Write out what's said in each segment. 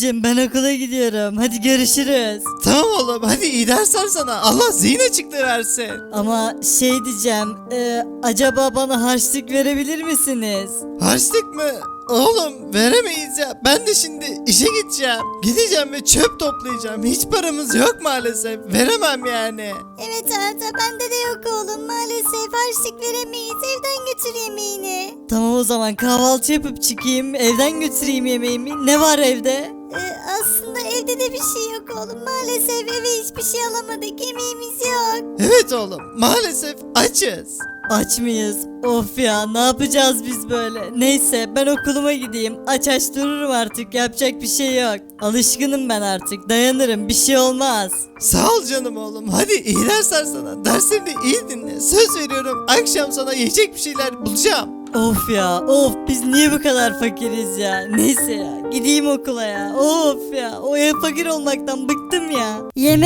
babacığım ben okula gidiyorum. Hadi görüşürüz. Tamam oğlum hadi iyi dersler sana. Allah zihin açıklığı versin. Ama şey diyeceğim. Acaba bana harçlık verebilir misiniz? Harçlık mı? Oğlum veremeyiz ya. Ben de şimdi işe gideceğim. Gideceğim ve çöp toplayacağım. Hiç paramız yok maalesef. Veremem yani. Evet Arda bende de yok oğlum maalesef harçlık veremeyiz evden götür yemeğini. Tamam o zaman kahvaltı yapıp çıkayım. Evden götüreyim yemeğimi. Ne var evde? Aslında evde de bir şey yok oğlum maalesef eve hiçbir şey alamadık yemeğimiz yok. Evet oğlum maalesef açız. Aç mıyız? Of ya ne yapacağız biz böyle? Neyse ben okuluma gideyim. Aç aç dururum artık yapacak bir şey yok. Alışkınım ben artık dayanırım bir şey olmaz. Sağ ol canım oğlum. Hadi iyi dersler sana. Derslerini iyi dinle. Söz veriyorum akşam sana yiyecek bir şeyler bulacağım. Of ya of biz niye bu kadar fakiriz ya? Neyse ya gideyim okula ya. Of ya o ev fakir olmaktan bıktım ya.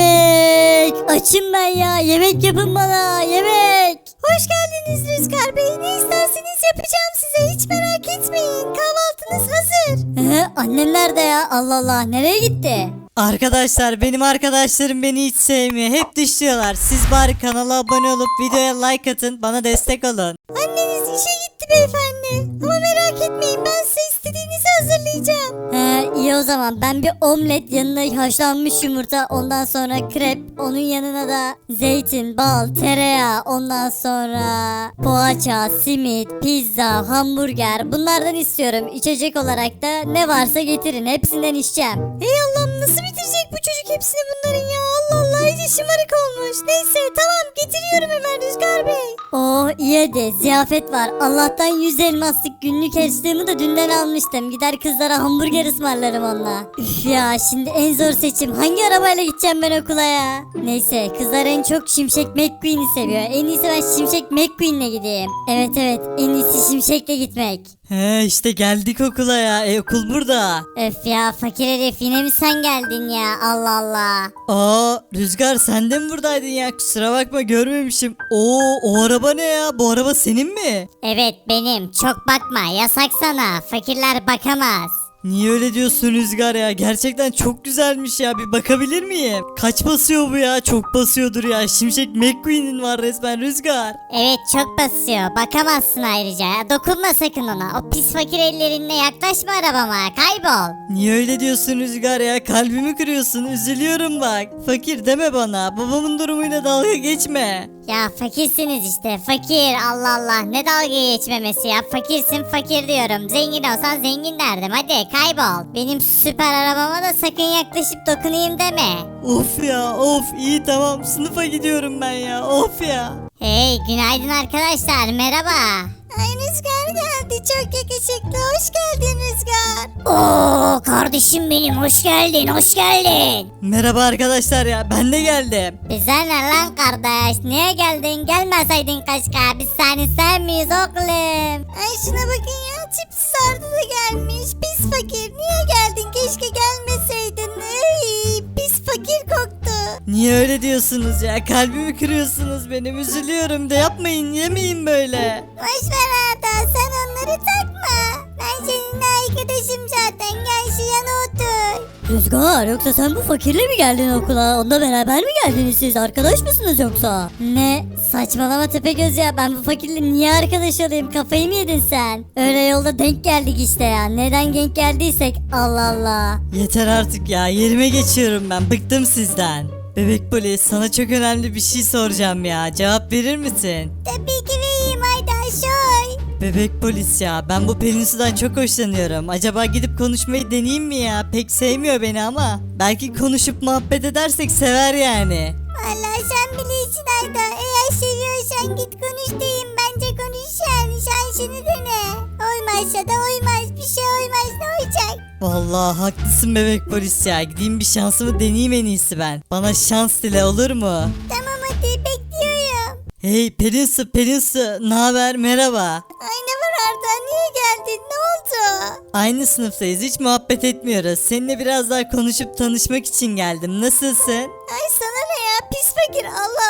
Yemek açım ben ya yemek yapın bana yemek. Hoş geldiniz Rüzgar Bey ne isterseniz yapacağım size hiç merak etmeyin kahvaltınız hazır. Annem nerede ya? Allah Allah nereye gitti? Arkadaşlar benim arkadaşlarım beni hiç sevmiyor. Hep dışlıyorlar. Siz bari kanala abone olup videoya like atın. Bana destek olun. Anneniz işe gitti beyefendi ama merak etmeyin ben size istediğinizi hazırlayacağım. İyi o zaman ben bir omlet yanına haşlanmış yumurta ondan sonra krep onun yanına da zeytin, bal, tereyağı ondan sonra poğaça, simit, pizza, hamburger bunlardan istiyorum. İçecek olarak da ne varsa getirin hepsinden içeceğim. Ey Allah'ım nasıl bitirecek bu çocuk hepsini bunların ya Allah Allah iyice şımarık olmuş. Neyse tamam getiriyorum hemen Rüzgar Bey. Oh iyi hadi ziyafet var. Allah'tan 100 elmaslık günlük harçlığımı da dünden almıştım. Gider kızlara hamburger ısmarlarım onunla. Üf ya şimdi en zor seçim. Hangi arabayla gideceğim ben okula ya? Neyse kızlar en çok Şimşek McQueen'i seviyor. En iyisi ben Şimşek McQueen'le gideyim. Evet en iyisi Şimşek'le gitmek. He işte geldik okula ya. Okul burada. Öf ya fakir herif yine mi sen geldin ya Allah Allah. Aa Rüzgar sen de mi buradaydın ya? Kusura bakma görmemişim. Oo o araba ne ya? Bu araba senin mi? Evet benim çok bakma yasak sana fakirler bakamaz. Niye öyle diyorsun Rüzgar ya? Gerçekten çok güzelmiş ya. Bir bakabilir miyim? Kaç basıyor bu ya? Çok basıyordur ya. Şimşek McQueen'in var resmen Rüzgar. Evet çok basıyor bakamazsın ayrıca dokunma sakın ona o pis fakir ellerinle yaklaşma arabama kaybol. Niye öyle diyorsun Rüzgar ya? Kalbimi kırıyorsun. Üzülüyorum bak. Fakir deme bana. Babamın durumuyla dalga geçme. Ya fakirsiniz işte fakir Allah Allah ne dalga geçmemesi ya fakirsin fakir diyorum zengin olsan zengin derdim hadi kaybol. Benim süper arabama da sakın yaklaşıp dokunayım deme. Of ya of iyi tamam sınıfa gidiyorum ben ya of ya. Hey günaydın arkadaşlar merhaba. Ay Rüzgar geldi çok yakışıklı hoş geldin Rüzgar. Oo kardeşim benim hoş geldin hoş geldin. Merhaba arkadaşlar ya ben de geldim. Bize ne lan kardeş niye geldin gelmeseydin keşke biz seni sevmiyoruz oğlum. Ay şuna bakın ya tipsiz Arda da gelmiş pis fakir niye geldin keşke gelmeseydin. Ay pis fakir koktu. Niye öyle diyorsunuz ya? Kalbimi kırıyorsunuz benim. Üzülüyorum da yapmayın yemeyin böyle. Boş ver Arda sen onları takma. Ben seninle arkadaşım zaten gel şu yana otur. Rüzgar yoksa sen bu fakirle mi geldin okula? Onunla beraber mi geldiniz siz? Arkadaş mısınız yoksa? Ne? Saçmalama Tepegöz ya. Ben bu fakirle niye arkadaş olayım? Kafayı mı yedin sen? Öyle yolda denk geldik işte ya. Neden denk geldiysek? Allah Allah. Yeter artık ya. Yerime geçiyorum ben. Bıktım sizden. Bebek polis sana çok önemli bir şey soracağım ya. Cevap verir misin? Tabii ki vereyim Arda şoy. Bebek polis ya. Ben bu Pelin Su'dan çok hoşlanıyorum. Acaba gidip konuşmayı deneyeyim mi ya? Pek sevmiyor beni ama. Belki konuşup muhabbet edersek sever yani. Allah sen bilirsin Arda. Eğer seviyorsan git konuş diyeyim. Bence konuş yani. Şansını dene. Olmazsa da olmaz. Bir şey olmaz. Ne olacak? Vallahi haklısın bebek polis ya. Gideyim bir şansımı deneyeyim en iyisi ben. Bana şans dile olur mu? Tamam hadi bekliyorum. Hey Pelin Su, ne haber? Merhaba. Ay ne var Arda? Niye geldin? Ne oldu? Aynı sınıftayız. Hiç muhabbet etmiyoruz. Seninle biraz daha konuşup tanışmak için geldim. Nasılsın? Ay sana ne ya? Pis fakir. Allah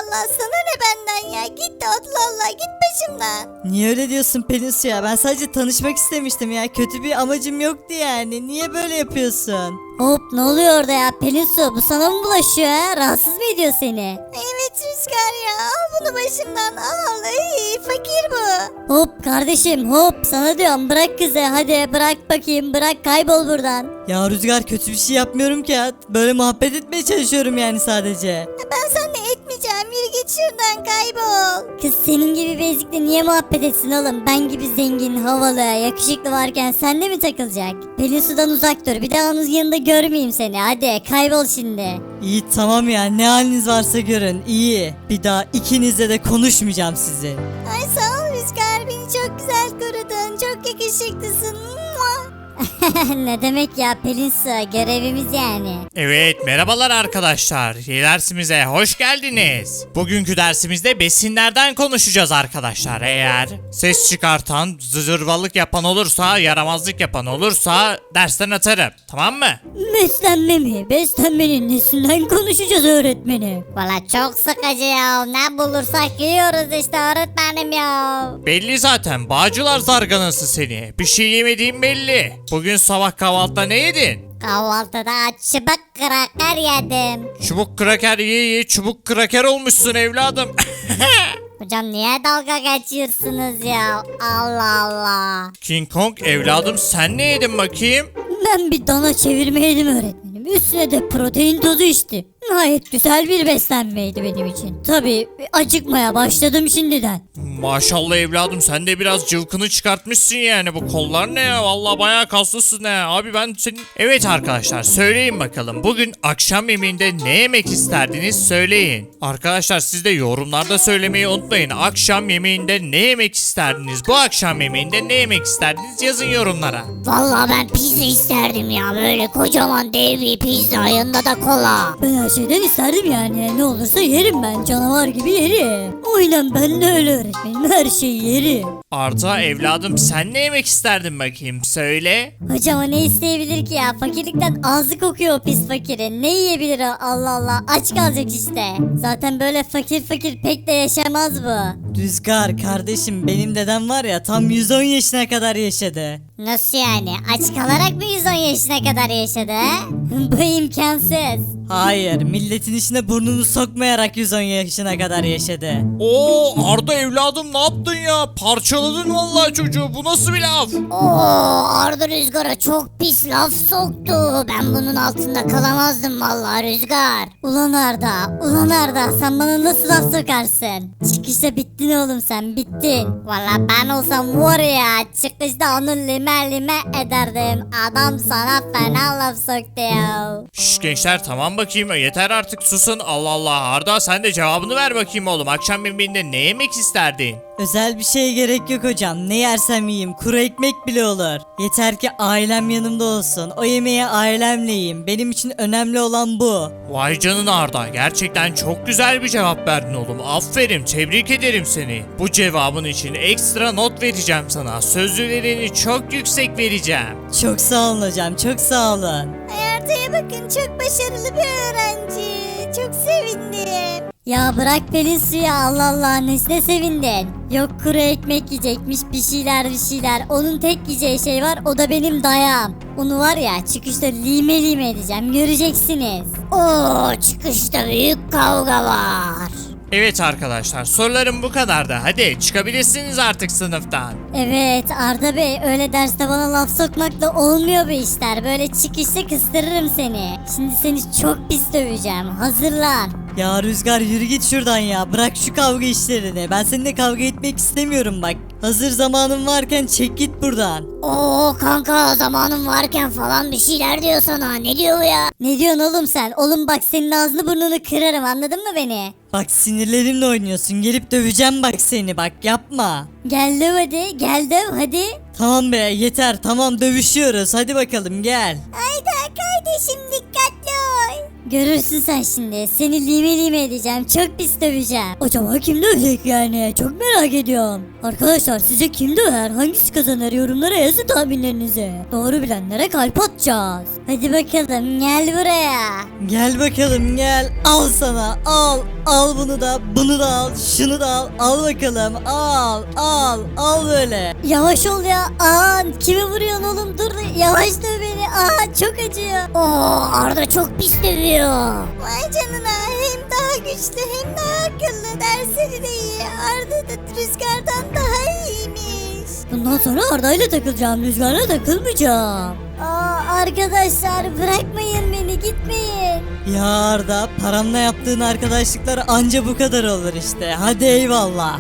Allah sana ne benden ya. Git de Allah Allah git başımdan. Niye öyle diyorsun Pelinsu ya? Ben sadece tanışmak istemiştim ya. Kötü bir amacım yoktu yani. Niye böyle yapıyorsun? Hop ne oluyor orada ya Pelinsu bu sana mı bulaşıyor ha? Rahatsız mı ediyor seni? Evet Rüzgar ya al bunu başımdan al. Ay, fakir bu. Hop kardeşim hop sana diyorum bırak kızı hadi bırak bakayım bırak kaybol buradan. Ya Rüzgar kötü bir şey yapmıyorum ki ya. Böyle muhabbet etmeye çalışıyorum yani sadece. Ben seninle etmeyeceğim. Yürü git şuradan kaybol. Kız senin gibi bir ezikle niye muhabbet etsin oğlum? Ben gibi zengin, havalı, yakışıklı varken senle mi takılacak? Pelinsu'dan uzak dur. Bir daha onun yanında görmeyeyim seni. Hadi kaybol şimdi. İyi tamam ya ne haliniz varsa görün iyi. Bir daha ikinizle de konuşmayacağım sizin. Ay sağ ol Rüzgar. Beni çok güzel korudun. Çok yakışıklısın. Mua. Ne demek ya Pelinsu? Görevimiz yani. Evet, merhabalar arkadaşlar. Dersimize hoş geldiniz. Bugünkü dersimizde besinlerden konuşacağız arkadaşlar. Eğer ses çıkartan, zırvalık yapan olursa, yaramazlık yapan olursa dersten atarım. Tamam mı? Beslenme mi? Beslenmenin nesinden konuşacağız öğretmenim? Valla çok sıkıcı ya. Ne bulursak yiyoruz işte öğretmenim ya. Belli zaten. Bağcılar zarganası seni. Bir şey yemediğin belli. Bugün sabah kahvaltıda ne yedin? Kahvaltıda çıbık kraker yedim. Çubuk kraker ye çubuk kraker olmuşsun evladım. Hocam niye dalga geçiyorsunuz ya? Allah Allah. King Kong evladım sen ne yedin bakayım? Ben bir dana çevirme yedim öğretmenim. Üstüne de protein tozu içtim. Gayet güzel bir beslenmeydi benim için. Tabii acıkmaya başladım şimdiden. Maşallah evladım sen de biraz cıvkını çıkartmışsın yani bu kollar ne ya vallahi bayağı kaslısın ha abi ben senin... Evet arkadaşlar söyleyin bakalım bugün akşam yemeğinde ne yemek isterdiniz söyleyin. Arkadaşlar siz de yorumlarda söylemeyi unutmayın akşam yemeğinde ne yemek isterdiniz bu akşam yemeğinde ne yemek isterdiniz yazın yorumlara. Vallahi ben pizza isterdim ya. Böyle kocaman dev bir pizza yanında da kola. Ben her şeyden isterdim yani. Ne olursa yerim ben. Canavar gibi yerim. Aynen ben de öyle öğretmenim. Her şeyi yerim. Arda evladım sen ne yemek isterdin bakayım söyle. Hocam o ne isteyebilir ki ya? Fakirlikten ağzı kokuyor o pis fakirin. Ne yiyebilir o? Allah Allah. Aç kalacak işte. Zaten böyle fakir fakir pek de yaşamaz bu. Rüzgar kardeşim benim dedem var ya tam 110 yaşına kadar yaşadı. Nasıl yani? Aç kalarak mı 110 yaşına kadar yaşadı he? Bu imkansız. Hayır milletin içine burnunu sokmayarak 110 yaşına kadar yaşadı. Oo Arda evladım ne yaptın ya parçaladın vallahi çocuğu bu nasıl bir laf? Oo Arda Rüzgar'a çok pis laf soktu. Ben bunun altında kalamazdım vallahi Rüzgar. Ulan Arda, ulan Arda sen bana nasıl laf sokarsın? Çıkışta bittin oğlum sen bittin. Valla ben olsam var ya çıkışta onu lime lime ederdim. Adam sana fena laf soktu ya. Şş gençler tamam bakayım yeter artık susun Allah Allah Arda sen de cevabını ver bakayım oğlum akşam yemeğinde ne yemek isterdin? Özel bir şeye gerek yok hocam. Ne yersem yiyeyim. Kuru ekmek bile olur. Yeter ki ailem yanımda olsun. O yemeği ailemle yiyeyim. Benim için önemli olan bu. Vay canına Arda gerçekten çok güzel bir cevap verdin oğlum aferin tebrik ederim seni. Bu cevabın için ekstra not vereceğim sana sözlülerini çok yüksek vereceğim. Çok sağ olun hocam. Çok sağ olun. Arda'ya bakın çok başarılı bir öğrenci. Çok sevindim. Ya bırak Pelinsu ya Allah Allah nesine sevindin? Yok kuru ekmek yiyecekmiş bir şeyler. Onun tek yiyeceği şey var o da benim dayağım. Onu var ya çıkışta lime lime edeceğim göreceksiniz. Oo çıkışta büyük kavga var. Evet arkadaşlar sorularım bu kadardı hadi çıkabilirsiniz artık sınıftan. Evet Arda Bey öyle derste bana laf sokmakla olmuyor bu işler. Böyle çıkışta kıstırırım seni. Şimdi seni çok pis döveceğim hazırlan. Ya Rüzgar yürü git şuradan ya. Bırak şu kavga işlerini. Ben seninle kavga etmek istemiyorum bak. Hazır zamanın varken çek git buradan. Oo kanka zamanım varken falan bir şeyler diyor sana. Ne diyor bu ya? Ne diyorsun oğlum sen? Oğlum bak senin ağzını burnunu kırarım anladın mı beni? Bak sinirlerimle oynuyorsun. Gelip döveceğim bak seni bak yapma. Gel döv hadi gel döv hadi. Tamam be yeter tamam dövüşüyoruz. Hadi bakalım gel. Hayda kardeşim dikkatli ol. Görürsün sen şimdi. Seni lime lime edeceğim. Çok pis döveceğim. Acaba kim dövecek yani? Çok merak ediyorum. Arkadaşlar sizce kim döver? Hangisi kazanır? Yorumlara yazın tahminlerinizi. Doğru bilenlere kalp atacağız. Hadi bakalım gel buraya. Gel bakalım gel. Al sana al. Al bunu da bunu da al. Şunu da al. Al bakalım al al al böyle. Yavaş ol ya. Aa, kimi vuruyorsun oğlum? Dur yavaş döv beni. Aa, çok acıyor. Oo, Arda çok pis dövüyor. Vay canına hem daha güçlü hem daha akıllı. Dersleri de iyi. Arda da Rüzgar'dan daha iyiymiş. Bundan sonra Arda ile takılacağım. Rüzgar'la takılmayacağım. Aa, arkadaşlar bırakmayın beni, gitmeyin. Ya Arda paramla yaptığın arkadaşlıklar anca bu kadar olur işte. Hadi eyvallah.